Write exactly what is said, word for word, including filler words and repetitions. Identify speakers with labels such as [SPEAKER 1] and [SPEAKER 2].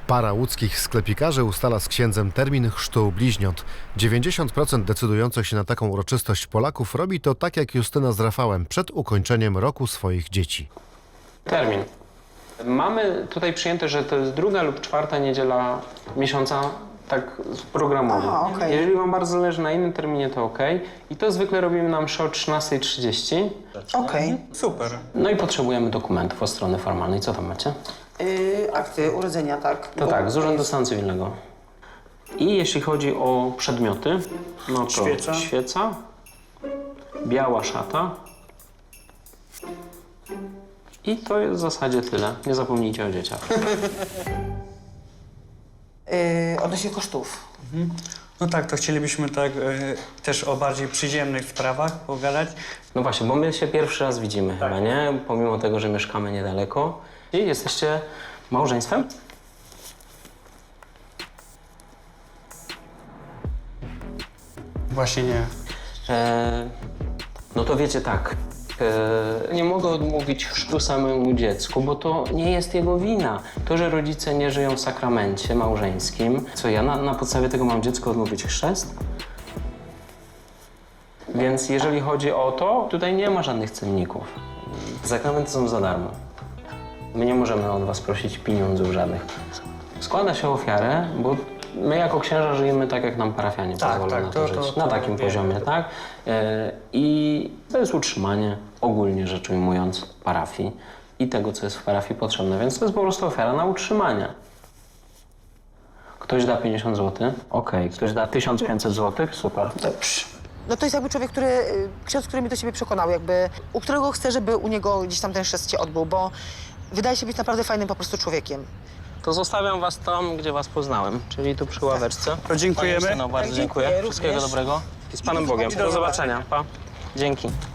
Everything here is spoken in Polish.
[SPEAKER 1] Para łódzkich sklepikarzy ustala z księdzem termin chrztu bliźniąt. dziewięćdziesiąt procent decydujących się na taką uroczystość Polaków robi to tak jak Justyna z Rafałem przed ukończeniem roku swoich dzieci.
[SPEAKER 2] Termin. Mamy tutaj przyjęte, że to jest druga lub czwarta niedziela miesiąca, tak programowo.
[SPEAKER 3] Aha, okej.
[SPEAKER 2] Jeżeli wam bardzo zależy na innym terminie, to ok. I to zwykle robimy na mszę o trzynastej trzydzieści.
[SPEAKER 3] Okej.
[SPEAKER 4] Super.
[SPEAKER 2] No i potrzebujemy dokumentów od strony formalnej. Co tam macie?
[SPEAKER 3] Yy, akty urodzenia, tak?
[SPEAKER 2] To tak, z Urzędu Stanu Cywilnego. I jeśli chodzi o przedmioty, no to
[SPEAKER 4] Świeca.
[SPEAKER 2] świeca, biała szata. I to jest w zasadzie tyle. Nie zapomnijcie o dzieciach.
[SPEAKER 3] Yy, odnośnie kosztów.
[SPEAKER 4] No tak, to chcielibyśmy tak e, też o bardziej przyziemnych sprawach pogadać.
[SPEAKER 2] No właśnie, bo my się pierwszy raz widzimy chyba, nie? Pomimo tego, że mieszkamy niedaleko. I jesteście małżeństwem?
[SPEAKER 4] Właśnie nie.
[SPEAKER 2] E, no to wiecie tak, e, nie mogę odmówić chrztu samemu dziecku, bo to nie jest jego wina. To, że rodzice nie żyją w sakramencie małżeńskim, co ja na, na podstawie tego mam dziecko odmówić chrzest? Więc jeżeli chodzi o to, tutaj nie ma żadnych cenników. Sakramenty są za darmo. My nie możemy od was prosić pieniądzów żadnych. Składa się ofiarę, bo my jako księża żyjemy tak, jak nam parafianie
[SPEAKER 4] Tak,
[SPEAKER 2] pozwolą
[SPEAKER 4] tak,
[SPEAKER 2] na to,
[SPEAKER 4] to-
[SPEAKER 2] żyć.
[SPEAKER 4] to-
[SPEAKER 2] na
[SPEAKER 4] to
[SPEAKER 2] takim
[SPEAKER 4] wiemy.
[SPEAKER 2] poziomie, tak? E, I to jest utrzymanie, ogólnie rzecz ujmując, parafii i tego, co jest w parafii potrzebne. Więc to jest po prostu ofiara na utrzymanie. Ktoś da pięćdziesiąt złotych? Okej. Ktoś da tysiąc pięćset złotych? Super.
[SPEAKER 3] Dobrze. No to jest jakby człowiek, który, y, ksiądz, który mnie do siebie przekonał, jakby, u którego chcę, żeby u niego gdzieś tam ten chrzest się odbył, bo wydaje się być naprawdę fajnym po prostu człowiekiem.
[SPEAKER 2] To zostawiam was tam, gdzie was poznałem, czyli tu przy ławeczce.
[SPEAKER 4] To dziękujemy.
[SPEAKER 2] Panie Justyno, bardzo
[SPEAKER 3] Tak,
[SPEAKER 2] dziękuję.
[SPEAKER 3] dziękuję
[SPEAKER 2] Wszystkiego
[SPEAKER 3] również.
[SPEAKER 2] dobrego. I z Panem Bogiem.
[SPEAKER 3] Do
[SPEAKER 2] Do zobaczenia. Pa. Dzięki.